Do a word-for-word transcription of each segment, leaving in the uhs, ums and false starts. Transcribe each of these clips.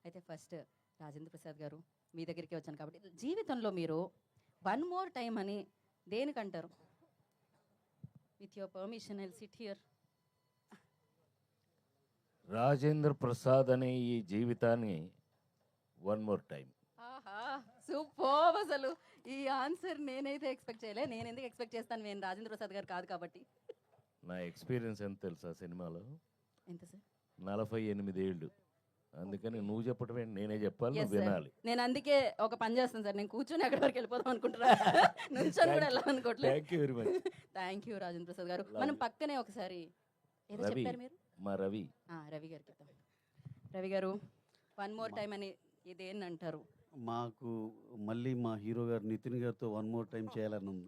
అయితే ఫస్ట్ రాజేంద్ర ప్రసాద్ గారు మీ దగ్గరికి వచ్చాను కాబట్టి జీవితంలో మీరు వన్ మోర్ టైం అని దేనికంటారు? With your permission I sit here. Rajendra Prasad అనే ఈ జీవితాన్ని వన్ మోర్ టైం. ఆహా సూపర్. అసలు ఈ ఆన్సర్ నేనైతే ఎక్స్పెక్ట్ చేయలే. నేను ఎందుకు ఎక్స్పెక్ట్ చేస్తాను, నేను రాజేంద్ర ప్రసాద్ గారు కాదు కాబట్టి. నా ఎక్స్పీరియన్స్ ఎంత తెలుసా సినిమాలో? ఎంత సార్? నలభై ఎనిమిది ఏళ్ళు. అందుకని నువ్వు చెప్పటం ఏంటి, నేనే చెప్పాలి, Yes, నువ్వు sir. వినాలి. నేను అందుకే ఒక పని చేస్తాను సార్, నేను కూర్చొని అక్కడి వరకు వెళ్ళిపోదాం అనుకుంటున్నా. నుంచొని కూడా వెళ్ళాలనుకోవట్లేదు. Thank you very much. Thank you Rajendra Prasad గారు. Love మనం you. పక్కనే ఒకసారి ఏదో రవి, చెప్పారు మీరు. మా రవి. ఆ, రవి గారికి ఇద్దాం. రవి గారు వన్ మోర్ టైం అని ఇదేంటి అంటారు? మాకు మళ్ళీ మా హీరో గారు నితిన్ గారితో వన్ మోర్ టైం చేయాలని ఉంది.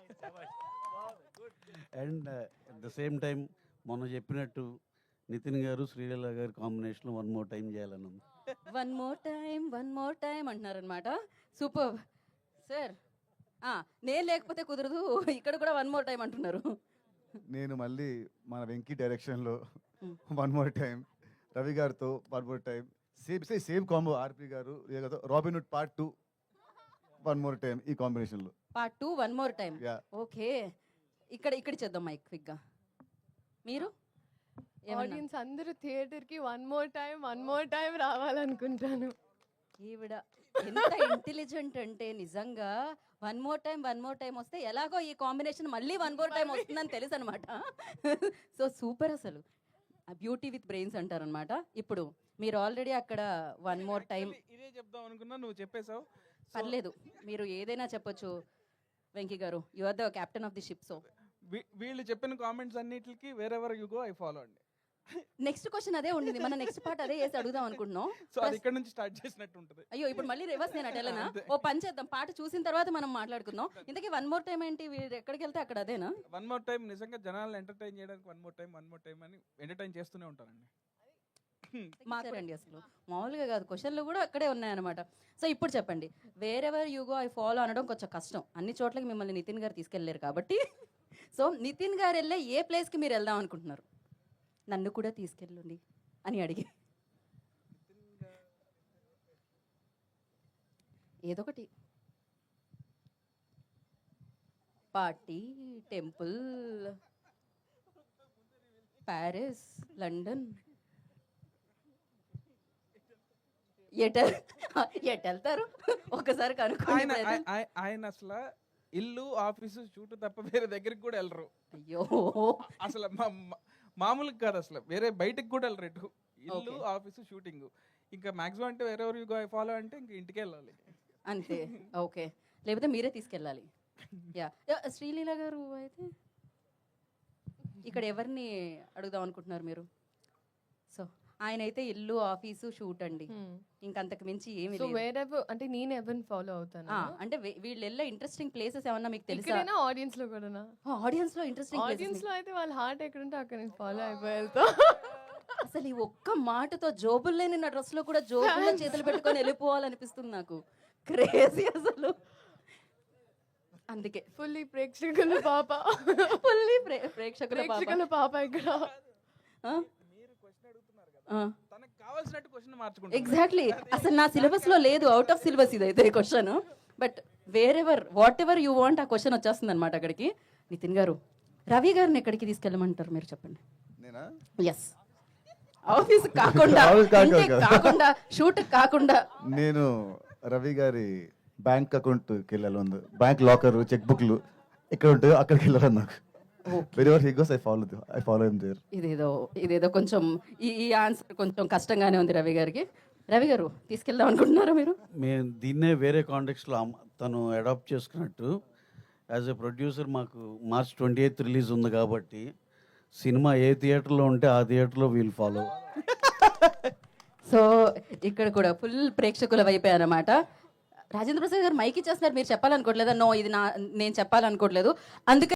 And at the same time మొన్న చెప్పినట్టు నితిన్ గారు శ్రీలీల గారి కాంబినేషన్లో వన్ మోర్ టైం చేయాలని ఉంది. One more time one more time అంటున్నారు అనమాట. Super sir. నేను లేకపోతే కుదరదు, ఇక్కడ కూడా వన్ మోర్ టైం అంటున్నారు. నేను మళ్ళీ మన వెంకీ డైరెక్షన్లో Hmm. One more time, Ravi గారితో one more time, same same same combo RP గారు Robin Hood part two one more time ఈ కాంబినేషన్లో. Part two one more time. Yeah okay, ఇక్కడ ఇక్కడ చేద్దాం మైక్ క్విక్గా. మీరు ఏమన్నా? ఆడియన్స్ అందరూ థియేటర్ కి one more time one more time రావాలనుకుంటాను. ఈవిడ ఎంత ఇంటెలిజెంట్ అంటే నిజంగా one more time one more time వస్తే ఎలాగో ఈ కాంబినేషన్ మళ్ళీ వన్ మోర్ టైం వస్తుందని తెలుసు అనమాట. So super. అసలు బ్యూటీ విత్ బ్రెయిన్స్ అంటారనమాట. ఇప్పుడు మీరు ఆల్రెడీ అక్కడ వన్ మోర్ టైం. ఇదే చెప్దాం అనుకున్నా, నువ్వు చెప్పేశావు. పర్లేదు, మీరు ఏదైనా చెప్పొచ్చు వెంకీ గారు. You are the captain of the ship. So వీ- వీళ్ళు చెప్పిన కామెంట్స్ అన్నిటికి wherever you go I follow అండి. నెక్స్ట్ క్వశ్చన్ అదే ఉండింది. మన నెక్స్ట్ పార్ట్ అదే వేసి అడుగుదాం అనుకుంటున్నాం. సో అది ఇక్కడ నుంచి స్టార్ట్ చేసినట్టు ఉంటుంది. అయ్యో, ఇప్పుడు మళ్ళీ రివర్స్ నేను అటెలనా? ఓ పని చేద్దాం, పాట చూసిన తర్వాత మనం మాట్లాడుకుందాం. ఇంతకీ వన్ మోర్ టైం ఏంటి? వీరు ఎక్కడికి వెళ్తే అక్కడ అదేనా? వన్ మోర్ టైం నిజంగా జనాలను ఎంటర్టైన్ చేయడానికి one more time one more time అని ఎంటర్టైన్ చేస్తూనే ఉంటానండి. మాట్లాడండి. అసలు మామూలుగా కాదు, క్వశ్చన్లు కూడా అక్కడే ఉన్నాయన్నమాట. సో ఇప్పుడు చెప్పండి, wherever you go I follow అనడం కొంచెం కష్టం. అన్ని చోట్లకి మిమ్మల్ని నితిన్ గారు తీసుకెళ్ళలేరు కాబట్టి. సో నితిన్ గారు వెళ్ళే ఏ ప్లేస్కి మీరు వెళ్దాం అనుకుంటున్నారు? నన్ను కూడా తీసుకెళ్ళండి అని అడిగి ఏదొకటి. Party, temple, Paris, London. ఎట ఎటు వెళ్తారు ఒకసారి ఆయన కనుక్కోండి. ఆయ- ఆయ- ఆయన అసలు ఇల్లు ఆఫీసు షూట్ తప్ప వేరే దగ్గరికి కూడా వెళ్ళరు. అయ్యో, అసలు మా- మా- మామూలుగా కాదు, అసలు వేరే బయటకు కూడా వెళ్ళరు. ఎటు ఇల్లు Okay. Office shooting. ఇంకా మాక్సిమం అంటే wherever you go I follow అంటే ఇంకా ఇంటికి వెళ్ళాలి. అంతే. ఓకే, లేకపోతే మీరే తీసుకెళ్ళాలి. యా యా, శ్రీలీల గారు అయితే ఇక్కడ ఎవరిని అడుగుదాం అనుకుంటున్నారు మీరు? సో ఆయన అయితే ఇల్లు ఆఫీసు షూట్ అండి, ఇంకంతకు మించి ఏమి సో లేదు. వేరెవర్ అంటే నేను ఎవరిని ఫాలో అవుతాను? ఆ, అంటే వీ- వీళ్ళు వెళ్ళే ఇంట్రెస్టింగ్ ప్లేసెస్ ఏమన్నా మీకు తెలుసా? ఇక్కడైనా ఆడియన్స్ లో కూడా? ఆడియన్స్ లో ఇంట్రెస్టింగ్ ఆడియన్స్ లో అయితే వాళ్ళ హార్ట్ ఎక్కడుంటే అక్కడ నేను ఫాలో అయిపోయి వెళ్తా. అసలు ఈ ఒక్క మాటతో జోబులు లేని నా డ్రెస్ లో కూడా జోబుల్లో చేతులు పెట్టుకొని వెళ్ళిపోవాలనిపిస్తుంది నాకు. క్రేజీ అసలు. అందుకే ఫుల్లీ ప్రేక్షకుల పాప ఫుల్లీ ప్రేక్షకుల పాప. ప్రేక్షకుల పాప ఇక్కడ. ఆ? మీరు క్వశ్చన్ అడుగుతున్నారు కదా, ఆ. తనకు కావాల్సినట్టు క్వశ్చన్ మార్చుకుంటారు. ఎగ్జాక్ట్లీ. అసలు నా సిలబస్ లో లేదు, అవుట్ ఆఫ్ సిలబస్ ఇదైతే question. But wherever whatever you want ఆ క్వశ్చన్ వచ్చేస్తుంది అనమాట అక్కడికి. నితిన్ గారు, రవి గారిని ఎక్కడికి తీసుకెళ్ళమంటారు మీరు చెప్పండి. నేనా? ఎస్, ఆఫీస్ కాకుండా, Office కాదు ఇంటికి కదా. కాకుండా, షూట్ కాకుండా. నేను రవి గారి బ్యాంక్ అకౌంట్కి వెళ్ళాలి ఉంది. బ్యాంక్ లాకర్, చెక్ బుక్లు ఎక్కడ ఉంటాయో అక్కడికి వెళ్ళాలి నాకు. Wherever he goes I follow I follow him there. ఇదేదో ఇదేదో కొంచెం ఈ ఈ ఆన్సర్ కొంచెం కష్టంగానే ఉంది రవి గారికి. రవి గారు తీసుకెళ్దాం అనుకుంటున్నారా మీరు? మేము దీన్నే వేరే కాంటెక్స్లో తను అడాప్ట్ చేసుకున్నట్టు యాజ్ ఎ ప్రొడ్యూసర్ మాకు మార్చ్ ట్వంటీ ఎయిత్ రిలీజ్ ఉంది కాబట్టి సినిమా ఏ థియేటర్లో ఉంటే ఆ థియేటర్లో వీల్ ఫాలో. సో ఇక్కడ కూడా ఫుల్ ప్రేక్షకుల వైపే అన్నమాట. రాజేంద్ర ప్రసాద్ గారు మైక్ ఇచ్చేస్తున్నారు, మీరు చెప్పాలనుకోవట్లేదా? నో, ఇది నా నేను చెప్పాలనుకోవట్లేదు. అందుకే